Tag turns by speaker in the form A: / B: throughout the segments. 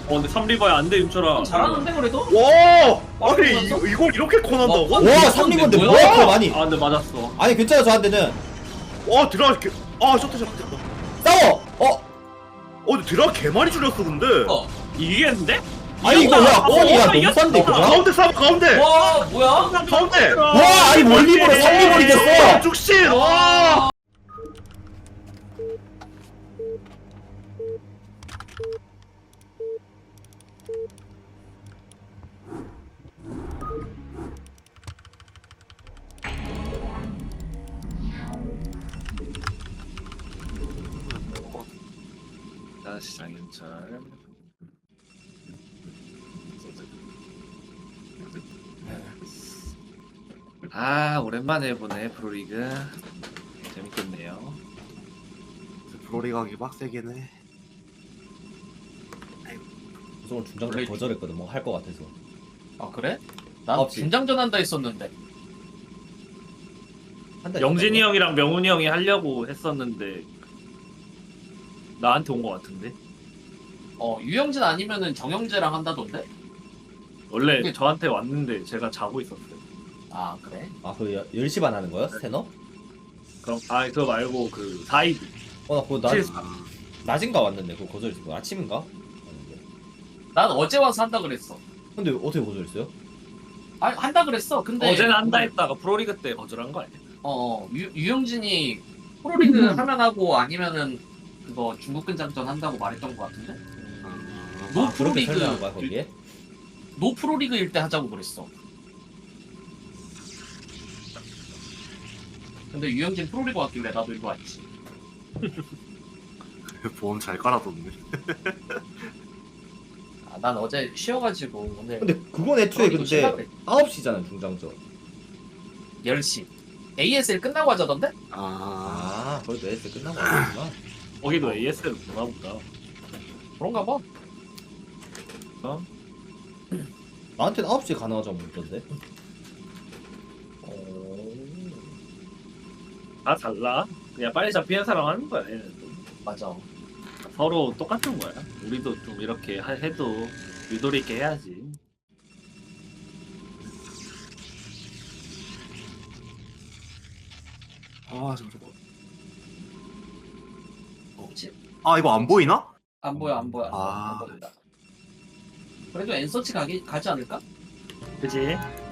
A: 근데 3리버야 안돼 윤철아.
B: 잘하는데 그래도?
C: 와! 아니 이걸 이렇게 코난다고?
B: 와,
D: 와 3리번데
B: 뭐야?
D: 뭐야 그럼 아니.
A: 아 근데 맞았어.
D: 아니 괜찮아 저한테는.
C: 와 드라 개... 아 셔터 됐다.
D: 싸워.
C: 근데 드라 개 많이 줄였어 근데.
A: 이기겠는데?
D: 아니 이거 야 아니 야 너무 싼데 이거.
C: 가운데 싸워 가운데.
B: 와 뭐야?
C: 가운데.
D: 와 아니 멀리보로 3리번이 됐어.
C: 죽신. 와.
A: 다시 장윤철. 아 오랜만에 보네 프로리그. 재밌겠네요.
C: 프로리그 하기 빡세긴 해.
D: 우선 중장전 거절했거든 뭐 할 거 같아서.
B: 아 그래? 난
D: 없지.
B: 중장전 한다 했었는데.
D: 한달
A: 영진이 형이랑 명훈이 형이 하려고 했었는데 나한테 온 거 같은데.
B: 유영진 아니면은 정영재랑 한다던데?
A: 원래
B: 그게-
A: 저한테 왔는데 제가 자고 있었어요.
B: 아 그래?
D: 아그 10시 반 하는 거야 스테너?
A: 그럼 그거 말고 그 4이드.
D: 나 그거
A: 실수.
D: 낮인가 왔는데 그거 거절했어. 아침인가? 왔는데.
B: 난 어제 와서 한다 그랬어.
D: 근데 어떻게 거절했어요?
B: 아 한다 그랬어. 근데
A: 어제는 한다 했다가 프로리그 때 거절한 거 아니야?
B: 유영진이 프로리그 하면 하고 아니면은 그거 중국 근장전 한다고 말했던 것 같은데? 노
D: 아 그렇게
B: 프로리그
D: 설명한 거야 거기에?
B: 노 프로리그일 때 하자고 그랬어. 근데 유영진 프로리그 왔길래 나도 이거 왔지.
C: 보험 잘 깔아뒀네.
B: 난 어제 쉬어가지고 오늘
D: 근데 그건 애초에
B: 프로리그
D: 근데
B: 쉬려고 그래.
D: 9시잖아 중장전.
B: 10시 ASL 끝나고 하자던데?
D: 그래도 애들 끝나고 왔구나.
A: 거기도 AS를 보나 보다.
B: 그런가 봐.
D: 나한테는 9시에 가능하자고 묻던데.
A: 다 달라. 그냥 빨리 잡히는 사람 하는 거야. 얘는 또.
B: 맞아.
A: 서로 똑같은 거야. 우리도 좀 이렇게 해도 유도리 있게 해야지.
C: 잠깐만.
B: 그치?
C: 이거 안 보이나?
B: 안 보여 안 보여
C: 아.
B: 안 보인다. 그래도 엔서치 가지 않을까?
A: 그치?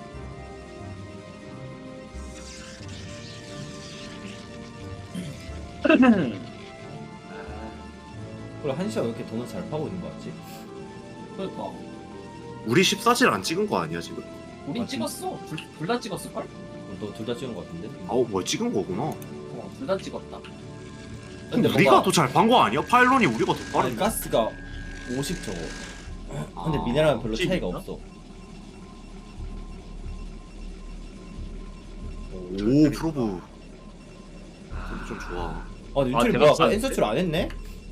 D: 그래 1시간 왜 이렇게 돈을 잘 파고 있는 거 같지?
B: 그러니까
C: 우리 14질 안 찍은 거 아니야 지금?
B: 우린
D: 맞지?
B: 찍었어. 둘 다 찍었을걸?
D: 너 둘 다 찍은 거 같은데?
C: 뭐 찍은 거구나.
B: 둘 다 찍었다.
D: 근데
C: 우리가
D: 뭔가-
C: 더 잘 판 거 아니야? 파일론이 우리가 더
D: 아니
C: 빠른데.
D: 가스가 50 저거. 근데 미네랄은 별로
A: 혹시
D: 차이가
A: 있나?
D: 없어.
C: 오 프로브. 좀 좋아.
D: 근데 윤철이
A: 대박
D: 뭐야?
A: 쌌는데?
D: 엔서치를 안 했네?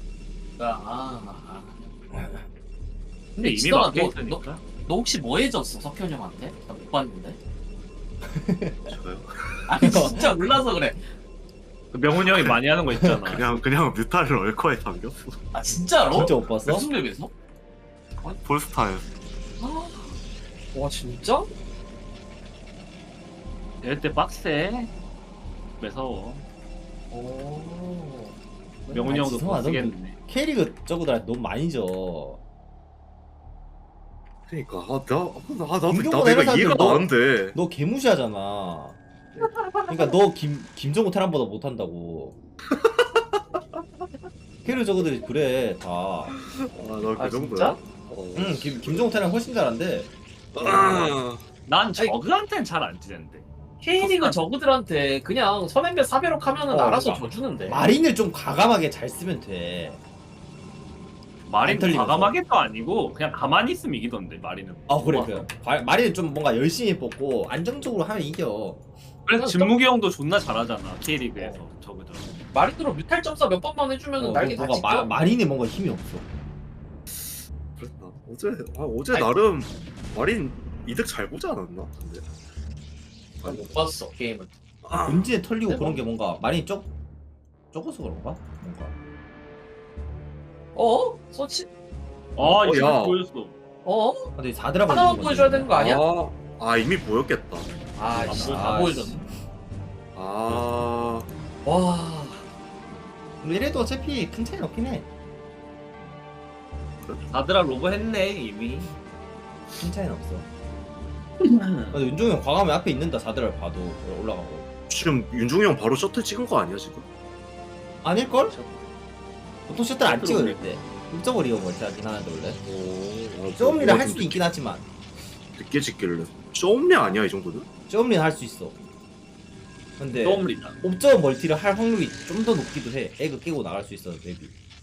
A: 근데 이미
B: 지성아,
A: 막혀
B: 너
A: 있으니까.
B: 혹시 뭐 해줬어 석현 형한테? 나 못 봤는데.
C: 저요?
B: 아니 진짜 몰라서 그래.
A: 그 명훈이 형이 많이 하는 거 있잖아.
C: 그냥 뮤타를 얼커에 담겼어.
B: 아 진짜로?
D: 진짜 못 봤어?
B: 무슨 맵에서?
C: 폴스타에.
B: 와 진짜?
A: 이럴 때 빡세. 매서워.
B: 오.
A: 명훈이 형도
D: 지성아,
A: 못 쓰겠네.
D: K리그 저거들 너무 많이 져.
C: 그러니까 나도
D: 김경호
C: 내가
D: 내가
C: 이해가
D: 너-
C: 나는데.
D: 너 개무시하잖아. 그러니까 너 김정우 테란보다 못한다고. K리그 저거들이 그래 다.
C: 나그
B: 아,
C: 정도야.
B: 진짜?
D: 김정우 테란 훨씬 잘한데.
A: 난 저그한텐 잘 안 지는데.
B: K리그 저그들한테 그냥 선행배 사배록 하면은 알아서
D: 그러니까.
B: 줘주는데.
D: 마린을 좀 과감하게 잘 쓰면 돼.
A: 마린
D: 안 털리면서.
A: 과감하게도 아니고 그냥 가만히 있으면 이기던데 마린은.
D: 그래
B: 맞아.
D: 그래. 마린은 좀 뭔가 열심히 뽑고 안정적으로 하면 이겨.
A: 그래서 진무기 형도 존나 잘하잖아 K리그에서 저그들.
B: 마린으로 뮤탈 점사 몇 번만 해주면은 날개 다
D: 뭔가
B: 찢겨.
D: 마린에 뭔가 힘이 없어.
C: 그랬나? 어제
B: 아니.
C: 나름 마린 이득 잘 보지 않았나? 근데.
B: 난 못 봤어 게임을.
D: 본진에 털리고
B: 대박.
D: 그런 게 뭔가 마린이 적어서 그런가? 뭔가.
B: 서치?
A: 아 이거
C: 야.
A: 보였어.
D: 근데 4드랍
B: 하나만 보여줘야 되는 거 아니야?
C: 아 이미 보였겠다.
B: 다 보여줬네.
C: 아
B: 와.
D: 이래도 어차피 큰 차이는 없긴 해.
A: 다들아 로버 했네 이미.
D: 큰 차이는 없어. 근데 윤종이 형 과감히 앞에 있는다 4드랍 봐도 올라가고.
C: 지금 윤중이 형 바로 셔틀 찍은 거 아니야 지금?
D: 아닐걸? 보통 셔틀 안
A: 셔틀
D: 찍을 때. 1.5 리어 멀티 하긴 하는데 원래.
C: 오.
D: 쇼음리를 할 수도 있긴 하지만
C: 늦게 찍길래. 쇼음리 아니야 이 정도는?
D: 쇼음리는 할 수 있어. 근데
A: 떠올리다.
D: 옵저버 멀티를 할 확률이 좀 더 높기도 해. 에그 깨고 나갈 수 있어 맵이.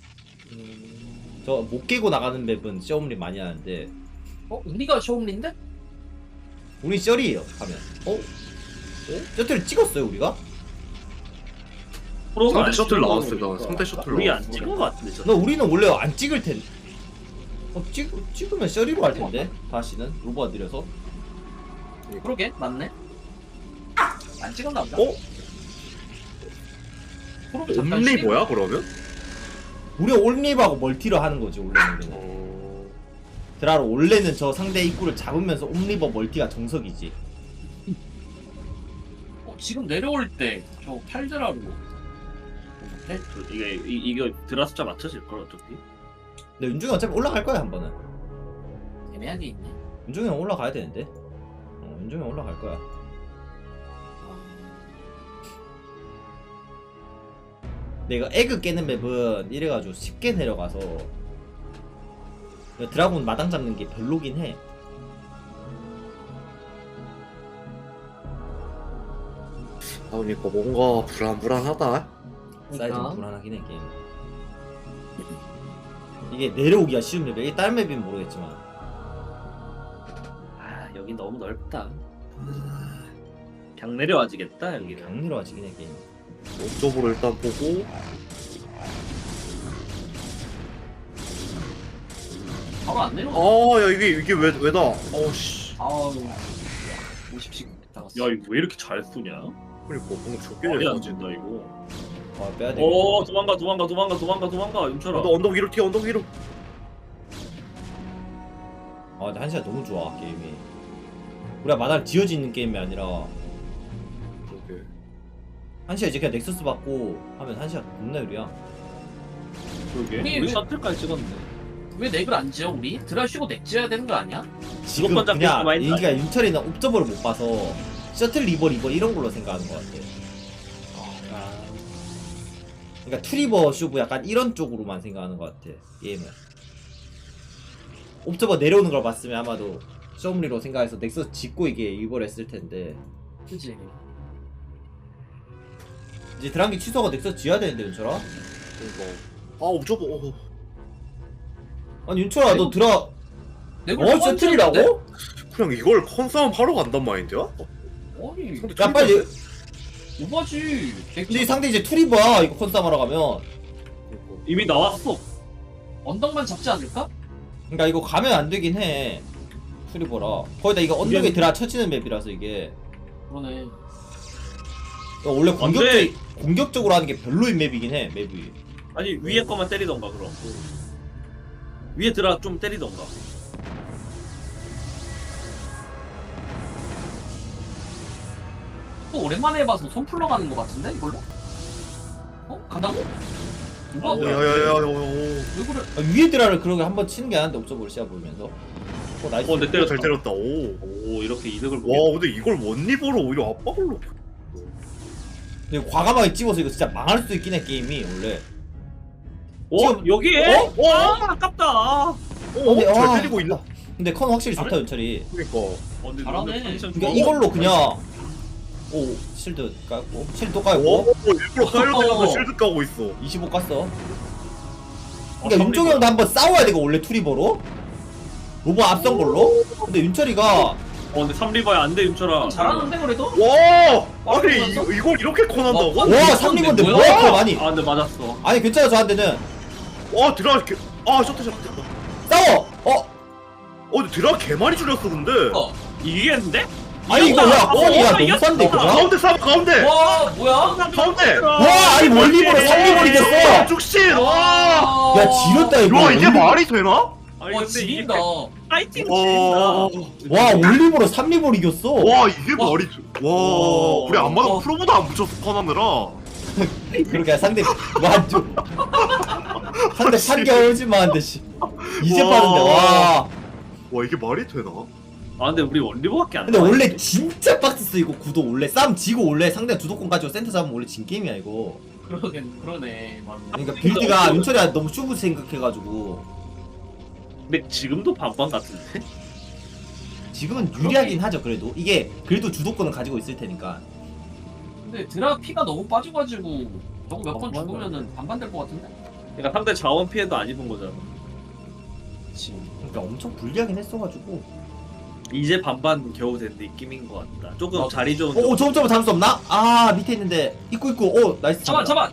D: 저 못 깨고 나가는 맵은 쇼음리 많이 하는데
B: 우리가 쇼음리인데?
D: 우리 쩔이에요 하면. 셔틀 찍었어요 우리가?
A: 프로가
C: 상대
A: 안
C: 셔틀
A: 찍은
C: 나왔을
A: 거
C: 때
A: 보니까
C: 상대 셔틀
A: 우리 안
C: 나왔어.
A: 찍은 거 같은데 저.
D: 너 우리는 원래 안 찍을 텐데. 찍으면 셔리로 할 텐데 다시는 로버가 느려서.
B: 그러게 맞네. 안 찍었나 보다. 프로브 잠깐
C: 옴니
B: 쉬고.
C: 뭐야 그러면?
D: 우리가 올립하고 멀티를 하는 거지 원래는. 드라로 원래는 저 상대 입구를 잡으면서 옴리버 멀티가 정석이지.
B: 지금 내려올 때 저 8드라로
A: 이거 드라 숫자 맞춰질 걸 어차피.
D: 근데 윤중이 어차피 올라갈 거야 한 번은.
B: 애매하게 있네.
D: 윤중이 형 올라가야 되는데. 윤중이 형 올라갈 거야. 근데 이거 에그 깨는 맵은 이래가지고 쉽게 내려가서 드라군 마당 잡는 게 별로긴 해.
C: 그러니까 뭔가 불안불안하다.
D: 사이즈 불안하긴 해 게임. 이게 내려오기가 쉬운 맵이야. 이게 다른 맵이면 모르겠지만.
A: 아 여기 너무 넓다. 그냥 내려와지겠다 여기.
D: 강 내려와지긴 해 게임.
C: 옵저버로 일단 보고
B: 바로 안 내려와.
C: 야 이게 왜다? 어씨.
B: 아우 50씩 나갔어.
A: 야 이거 왜 이렇게 잘 쏘냐?
C: 그러니까 뭔가 적게
A: 말이 안
C: 내려가지.
A: 된다 이거.
D: 빼야 돼.
A: 도망가 윤철아.
C: 언덕 위로 튀어 언덕 위로.
D: 근데 한시가 너무 좋아 게임이. 우리가 마당 지어지는 게임이 아니라
C: 그러게.
D: 한시가 이제 그냥 넥서스 받고 하면 한시가 겁나 유리야.
A: 그러게.
B: 우리
A: 우리
B: 왜-
A: 셔틀까지 찍었네.
B: 왜 넥을 안 지어 우리? 드라 쉬고 넥 지어야 되는 거 아니야?
D: 지금
A: 무조건 잡힐 거
D: 그냥
A: 많이
D: 인기가 윤철이는 옵저버를 못 봐서 셔틀 리버 이런 걸로 생각하는 것 같아. 그러니까 투리버 쇼브 약간 이런 쪽으로만 생각하는 것 같아 게임은. 옵저버 내려오는 걸 봤으면 아마도 쇼음리로 생각해서 넥서스 짓고 이게 이걸 했을 텐데
B: 그치.
D: 이제 드랑기 취소가 넥서스 지어야 되는데 윤철아?
C: 그러니까 옵저버.
D: 아니 윤철아 너 드라
B: 넥을
D: 셔틀이라고?
C: 그냥 이걸 컨싸움 하러 간단 마인드야?
B: 아니
C: 상대
D: 야 빨리.
B: 오바지.
D: 근데 이 상대 이제 투리버야 이거 컨싸움 하러 가면.
A: 이미 나왔어.
B: 언덕만 잡지 않을까?
D: 그러니까 이거 가면 안 되긴 해. 투리버라. 거기다 이거 언덕에 드라 쳐지는 맵이라서 이게
B: 그러네.
D: 이거 원래
A: 안 돼.
D: 공격적으로 하는 게 별로인 맵이긴 해 맵이.
A: 아니 위에 거만 때리던가 그럼. 위에 들어 좀 때리던가.
B: 또 오랜만에 해봐서 손 풀러가는 거 같은데 이걸로? 간다고? 누가? 왜
C: 야야야야.
B: 그래?
D: 위에 드라를 그러게 한번 치는 게 아닌데 옵저버를 시야 보면서. 나이스.
A: 근데 때렸다.
C: 잘 때렸다.
A: 오 이렇게 이득을 보게.
C: 와 근데 이걸 원리버로 오히려 압박을 놓고.
D: 근데 과감하게 찍어서 이거 진짜 망할 수도 있긴 해 게임이 원래. 지금-
A: 여기에?
C: 어?
A: 아깝다.
D: 근데,
C: 잘
D: 와,
C: 때리고 있나?
D: 근데 컨 확실히 좋다 윤철이.
C: 그러니까.
A: 근데
B: 잘하네.
A: 컨디션
D: 그러니까
A: 좋아.
D: 이걸로 그냥 실드 깔고 실드 또 깔고
C: 일부러 깔려다가 실드 까고 있어.
D: 25 깠어. 그러니까 윤종이 형도 한번 싸워야 되고 원래 투리버로 로버 앞선 걸로. 근데 윤철이가
A: 근데 3리버야 안돼 윤철아.
B: 잘하는데 그래도?
C: 와! 아니 이걸 이렇게 컨한다고?
B: 와,
D: 와 3리버인데
B: 뭐야?
D: 뭐야 그거 많이.
A: 근데 맞았어.
D: 아니 괜찮아 저한테는
C: 와 드라 개... 셔틀 됐다.
D: 싸워.
C: 근데 드라 개 많이 줄였어 근데.
A: 이기겠는데?
D: 아니 이거 야 컨이야 너무 싼데 이거.
C: 가운데 싸 가운데.
B: 와 뭐야?
C: 가운데.
D: 와 아니 멀리버로 3리버리 됐어.
C: 죽신. 와.
D: 야 지렸다 이거.
C: 와 이게 말이 되나?
A: 아니
B: 와
A: 근데 이게
B: 지린다.
A: 파이팅
C: 와,
A: 지린다.
D: 와 올리버로 3리버 이겼어.
C: 와 이게 말이 와 우리 안마다
B: 와.
C: 프로보다 안 붙였어 턴하느라.
D: 그러니까 상대 완전 상대 판결지만 한데 씨. 이제
C: 와.
D: 빠른데 와.
C: 와 이게 말이 되나?
A: 아 근데 우리 원리버밖에 안
D: 근데
A: 나와.
D: 원래 진짜 빡셌어 이거 구도 원래 싸움 지고 원래 상대 주도권 가지고 센터 잡으면 원래 진 게임이야 이거.
B: 그러네. 맞네.
D: 그러니까 빌드가 윤철이가 너무 쇼부 생각해가지고
A: 근데 지금도 반반 같은데?
D: 지금은 유리하긴 하죠 그래도 이게 그래도 주도권을 가지고 있을 테니까.
B: 근데 드라 피가 너무 빠져가지고 저거 몇 번
A: 반반
B: 죽으면은 반반 될 것 같은데?
A: 그러니까 상대 자원 피해도 안 입은 거잖아.
B: 그치.
D: 그러니까 엄청 불리하긴 했어가지고.
A: 이제 반반 겨우 된 느낌인 것 같다. 조금
B: 어,
A: 자리 좋은.
D: 오 점점 잡을 수 없나? 아 밑에 있는데 있고 오 나이스.
B: 잡아.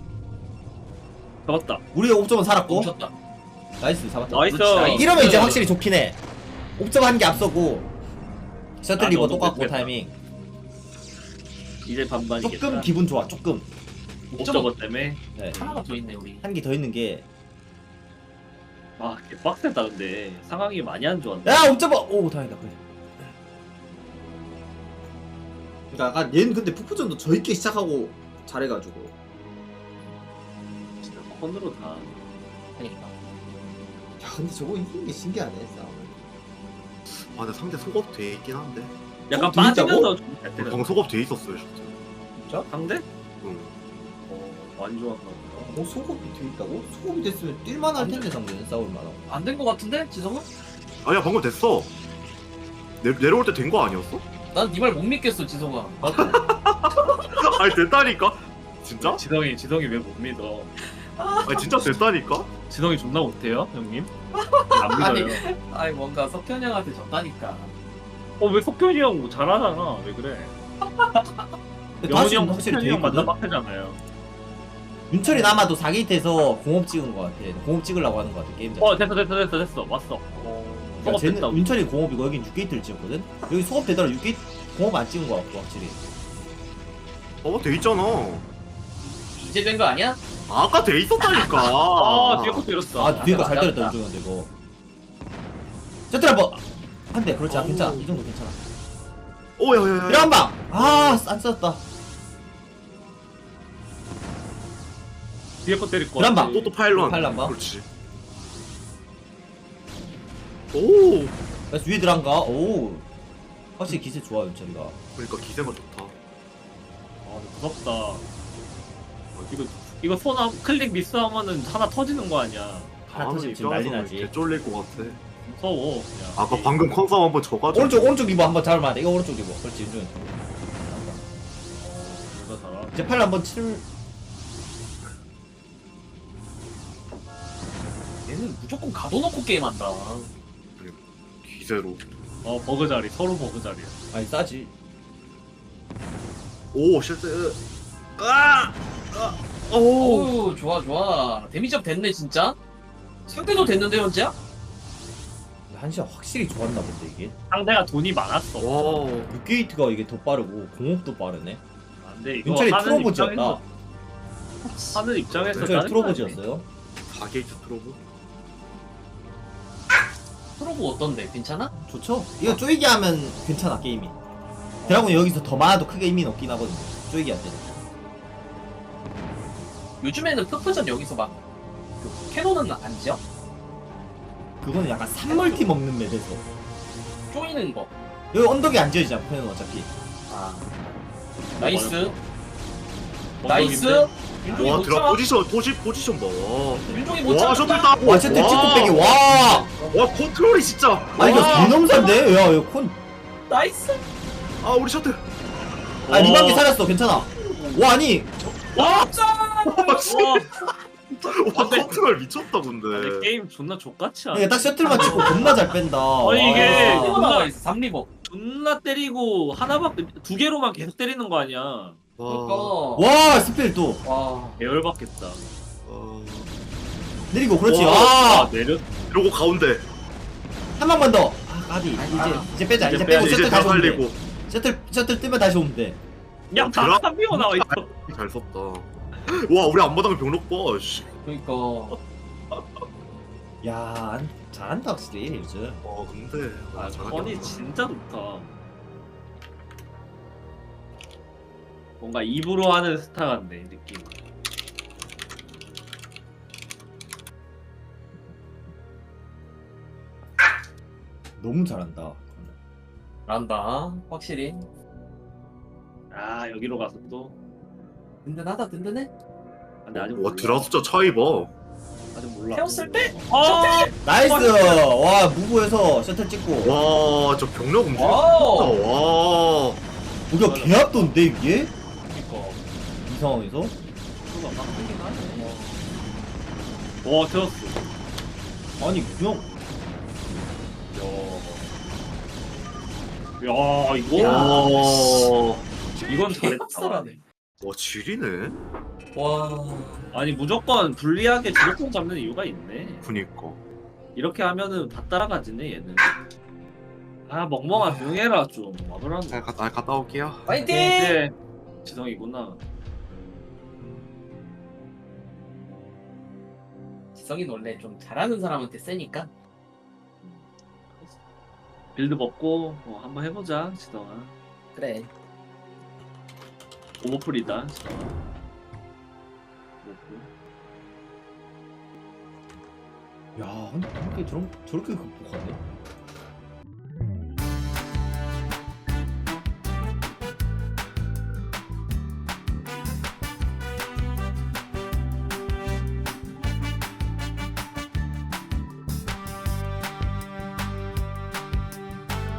A: 잡았다.
D: 우리가 옵점은 살았고
B: 멈췄다.
D: 나이스 잡았다.
A: 나이스.
B: 나이스.
D: 이러면 이제 확실히 좋긴 해. 옵점 한 개 앞서고 셔틀
A: 아,
D: 리버
A: 너무
D: 똑같고
A: 됐다.
D: 타이밍
A: 이제 반반이겠다.
D: 조금 기분 좋아 조금.
A: 옵저버 때문에.
D: 네.
B: 하나가 더 있네 우리.
D: 한 개 더 있는 게
A: 아 개빡세다 근데 상황이 많이 안 좋았네.
D: 야 옵점어 오 다행이다 그래. 그러니까 아까 얘는 근데 푸푸전도 저있게 시작하고 잘해가지고
A: 진짜 컨으로 다.
B: 그러니까.
D: 야 근데 저거 이기는 게 신기하네 싸움을.
C: 아 근데 상대 속업 돼 있긴 한데.
A: 약간
D: 돼 있다고?
A: 빠지면서 좀잘 때려.
C: 방 속업 돼 있었어요 셔틀.
D: 진짜?
A: 상대?
C: 응.
A: 많이 좋았나 보다.
D: 소급이 돼 있다고? 소급이 됐으면 뛸만 할 텐데 상대는 싸울만하고.
B: 안 된 것 같은데 지성은?
C: 아니야 방금 됐어. 내려올 때 된 거 아니었어?
B: 난 네 말 못 믿겠어 지성아.
C: 아니 됐다니까. 진짜?
A: 지성이 왜 못 믿어?
C: 아니 진짜 됐다니까.
A: 지성이 존나 못해요 형님? 안
B: 아니.
A: 믿어요.
B: 아이 뭔가 석현이 형한테 졌다니까.
A: 왜 석현이 형 뭐 잘하잖아. 왜 그래?
D: 근데
A: 영훈이
D: 다시
A: 형
D: 확실히
A: 석현이
D: 돼
A: 형 만나
D: 있거든?
A: 빡세잖아요.
D: 윤철이 남아도 4게이트에서 공업 찍은 것 같아. 공업 찍으려고 하는 것 같아 게임 자체.
A: 됐어 왔어.
D: 그러니까
A: 수업 됐다.
D: 쟤는 윤철이 공업이고 여긴 6게이트를 찍었거든? 여기 수업 되더라 6게이트 공업 안 찍은 것 같고 확실히.
C: 돼 있잖아.
B: 이제 된 거 아니야?
C: 아까 돼 있었다니까.
A: 아 뒤에 것도 이랬어.
D: 아 뒤에가 잘
B: 맞다,
D: 때렸다
B: 맞다.
D: 윤종현도 이거. 셔틀 한번 한대 그렇지 괜찮아 이 정도 괜찮아.
C: 오야야야.
D: 이런 방! 아 안 썼다.
A: 뒤에 거 때릴 거.
D: 그런 방.
C: 또 파일런.
D: 파일런 봐.
C: 그렇지. 오.
D: 그래서 위에 들어간가? 오 확실히 기세 좋아 윤철이가.
C: 그러니까 기세가 좋다.
A: 아 무섭다. 이거 클릭 미스하면은 하나 터지는 거 아니야.
D: 하나
C: 다음
D: 터지면 지금 난리
C: 입장에서는
D: 나지.
C: 개 쫄릴 것 같아.
A: 무서워 그냥.
C: 아까 방금 컨싸움 한번 져가지고.
D: 오른쪽 리버 한번 잡을만 해. 이거 오른쪽 리버. 그렇지 윤종현.
A: 누가 살아?
D: 이제 팔 한번 칠.
B: 얘는 무조건 가둬놓고 게임한다.
C: 기세로.
A: 버그 자리 서로 버그 자리야.
D: 아니 싸지.
C: 오 실드. 오.
B: 어우 좋아. 데미지업 됐네 진짜. 상대도 됐는데 현재야?
D: 한시가 확실히 좋았나 본데 이게.
A: 상대가 돈이 많았어.
C: 와.
D: 6게이트가 이게 더 빠르고 공업도 빠르네.
A: 근데 이거
D: 윤철이
A: 하는
D: 트로보지였다.
A: 하는 입장에서
D: 윤철이 트로보지였어요.
C: 4게이트 트로브.
B: 프로브 어떤데? 괜찮아?
D: 좋죠? 이거 쪼이기 하면 괜찮아 게임이. 드라곤이 여기서 더 많아도 크게 의미는 없긴 하거든요. 쪼이기 할 때는.
B: 요즘에는 푸푸전 여기서 막 그 캐논은 안 지어?
D: 그거는 약간 3멀티 먹는 맵에서.
B: 쪼이는 거.
D: 여기 언덕이 안 지어지잖아 펜은 어차피.
B: 아. 나이스.
A: 어,
B: 나이스. 윤종이
C: 와
B: 못
C: 드라
B: 참아.
C: 포지션 봐.
B: 윤종이 못
C: 와
B: 참아.
C: 셔틀 따.
D: 와 셔틀 찍고 빼기 와!
C: 와 컨트롤이 진짜.
D: 아 이거
C: 와.
D: 개놈산데? 야 이거 콘.
B: 나이스.
C: 아 우리 셔틀.
D: 아 리방기 살았어 괜찮아. 와 아니
A: 와!
C: 와
A: 근데-
C: 컨트롤 미쳤다 근데.
A: 아니, 게임 존나 족같이 하네.
D: 이게 딱 셔틀만 찍고 겁나 잘 뺀다.
A: 아니, 이게-
D: 와.
B: 3리버 나와 있어. 3리버.
A: 존나 때리고 하나밖에 두 개로만 계속 때리는 거 아니야.
B: 그러니까.
D: 와 스펠 또
B: 와.
A: 계열받겠다.
D: 내리고 그렇지.
C: 와.
D: 아
A: 내려.
C: 이러고 가운데.
D: 한 방만 더. 아 까비 이제 빼자.
A: 이제
D: 이제 빼고
C: 이제
D: 셔틀
C: 다
D: 다시 오면 돼.
C: 살리고.
D: 셔틀 뜨면 다시 오면 돼.
A: 야,
C: 드라-
A: 다 한비고 나와 있어.
C: 잘 썼다. 와 우리 앞마당 병력 봐. 씨.
B: 그러니까.
D: 야 잘한다 확실히 요즘.
C: 근데
A: 아
C: 잘하긴
A: 건이
C: 한다.
A: 진짜 좋다. 뭔가 입으로 하는 스타 같네 느낌.
D: 너무 잘한다.
B: 잘한다. 확실히.
A: 아 여기로 가서 또.
B: 든든하다 든든해.
A: 아, 근데 아직
C: 와
A: 몰라.
C: 드라 숫자 차이 봐.
A: 아직 몰라.
B: 태웠을 때?
A: 아
D: 나이스. 와 무브에서 셔틀 찍고.
C: 와 저 병력 움직임.
B: 와우.
C: 와.
D: 우리가 개압도인데 이게
A: 그니까.
D: 이 상황에서?
A: 수가 빡세긴 하네. 와 태웠어.
D: 아니 그냥
A: 야 이거.
C: 와.
A: 이건 잘했다.
B: 쌀쌀하네.
C: 와 지리네.
B: 와.
A: 아니 무조건 불리하게 주도권 잡는 이유가 있네.
C: 그니까.
A: 이렇게 하면은 다 따라가지네 얘는. 아 멍멍아 조용해라 좀. 와더라고.
C: 갔다 올게요.
B: 파이팅!
A: 이제 지성이구나.
B: 지성이는 원래 좀 잘하는 사람한테 세니까.
A: 빌드 먹고 한번 해보자 지성아.
B: 그래.
A: 오버풀이다 지성아. 오버풀.
D: 야 근데 저렇게 극복하네.